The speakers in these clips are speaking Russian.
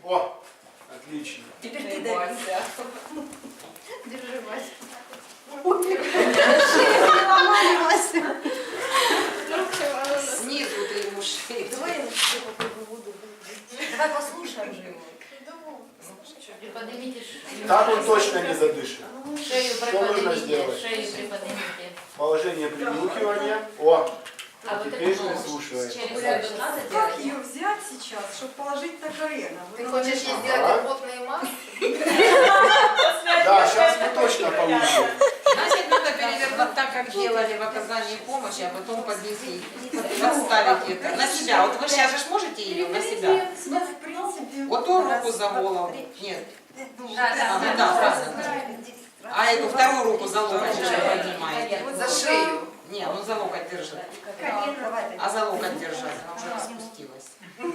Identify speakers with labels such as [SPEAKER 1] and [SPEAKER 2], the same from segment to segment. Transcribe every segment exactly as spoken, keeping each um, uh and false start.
[SPEAKER 1] О, отлично.
[SPEAKER 2] Теперь ты дави. Держи, Вася.
[SPEAKER 3] Снизу ты ему шею.
[SPEAKER 2] Давай я на тебе попробую воду. Давай послушаем же его.
[SPEAKER 4] Приподнимите
[SPEAKER 1] Так он точно не задышит.
[SPEAKER 4] шею,
[SPEAKER 1] Что нужно
[SPEAKER 4] приподнимите,
[SPEAKER 1] сделать?
[SPEAKER 4] шею приподнимите.
[SPEAKER 1] Положение принюхивания. О,
[SPEAKER 4] А вот
[SPEAKER 1] теперь
[SPEAKER 4] это нож
[SPEAKER 1] прислушивается.
[SPEAKER 4] через
[SPEAKER 2] Как
[SPEAKER 4] это надо
[SPEAKER 2] как
[SPEAKER 4] делать?
[SPEAKER 2] ее взять сейчас, чтобы положить на колено?
[SPEAKER 5] Ты
[SPEAKER 2] Вот
[SPEAKER 5] хочешь ей
[SPEAKER 2] она-
[SPEAKER 5] сделать
[SPEAKER 1] Ага.
[SPEAKER 5] рвотные массы?
[SPEAKER 1] Да, сейчас мы точно получим.
[SPEAKER 3] Значит, надо перевернуть так, как делали в оказании помощи, а потом поднести, подставить это на себя. Вот вы сейчас же можете ее на себя?
[SPEAKER 2] Ну, в принципе,
[SPEAKER 3] Вот ту руку
[SPEAKER 2] раз,
[SPEAKER 3] за
[SPEAKER 2] два,
[SPEAKER 3] голову.
[SPEAKER 2] три.
[SPEAKER 3] Нет.
[SPEAKER 2] Ну,
[SPEAKER 4] Да,
[SPEAKER 2] вот
[SPEAKER 4] да,
[SPEAKER 3] А,
[SPEAKER 2] это.
[SPEAKER 3] ну да, правильно. А эту вторую руку за локоть же поднимаете.
[SPEAKER 5] За шею.
[SPEAKER 3] Не, ну за локоть держит.
[SPEAKER 2] Колено, давай.
[SPEAKER 3] А за локоть держать, она уже распустилась.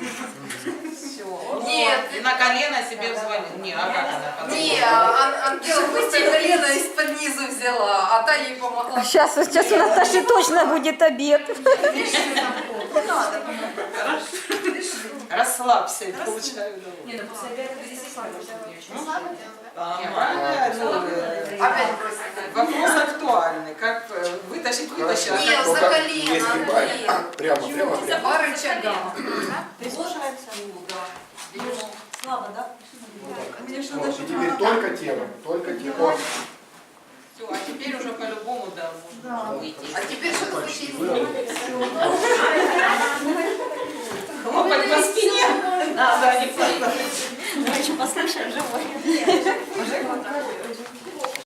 [SPEAKER 3] Все.
[SPEAKER 5] Нет.
[SPEAKER 3] И на колено себе взвалить. Не, а как она подошла?
[SPEAKER 5] Не, Ан- Ангела просто колено из-под низу взяла, а та ей помогла.
[SPEAKER 6] Сейчас, сейчас у Наташи точно будет обед.
[SPEAKER 2] Не надо.
[SPEAKER 3] Расслабься, и получаю удовольствие.
[SPEAKER 2] Не, ну после обеда ты здесь
[SPEAKER 3] Не, правильно, ну, э,
[SPEAKER 5] Опять бросила.
[SPEAKER 3] вопрос актуальный. Как э, вытащить, вытащить, а
[SPEAKER 5] Нет,
[SPEAKER 3] как
[SPEAKER 5] за
[SPEAKER 1] Только
[SPEAKER 5] колено,
[SPEAKER 1] не сгибай.
[SPEAKER 5] Ангелина.
[SPEAKER 1] Прямо, прямо, прямо.
[SPEAKER 5] По рычагам.
[SPEAKER 2] Прислушиваемся. Слабо, да? Мне что
[SPEAKER 1] Вот,
[SPEAKER 2] даже
[SPEAKER 1] и теперь только тело, только тело.
[SPEAKER 3] все, а теперь уже по-любому, да, можно выйти.
[SPEAKER 5] А теперь что ты хочешь ей
[SPEAKER 1] Выровняй.
[SPEAKER 5] сделать?
[SPEAKER 3] Хлопать по спине.
[SPEAKER 6] Давайте послушаем живой.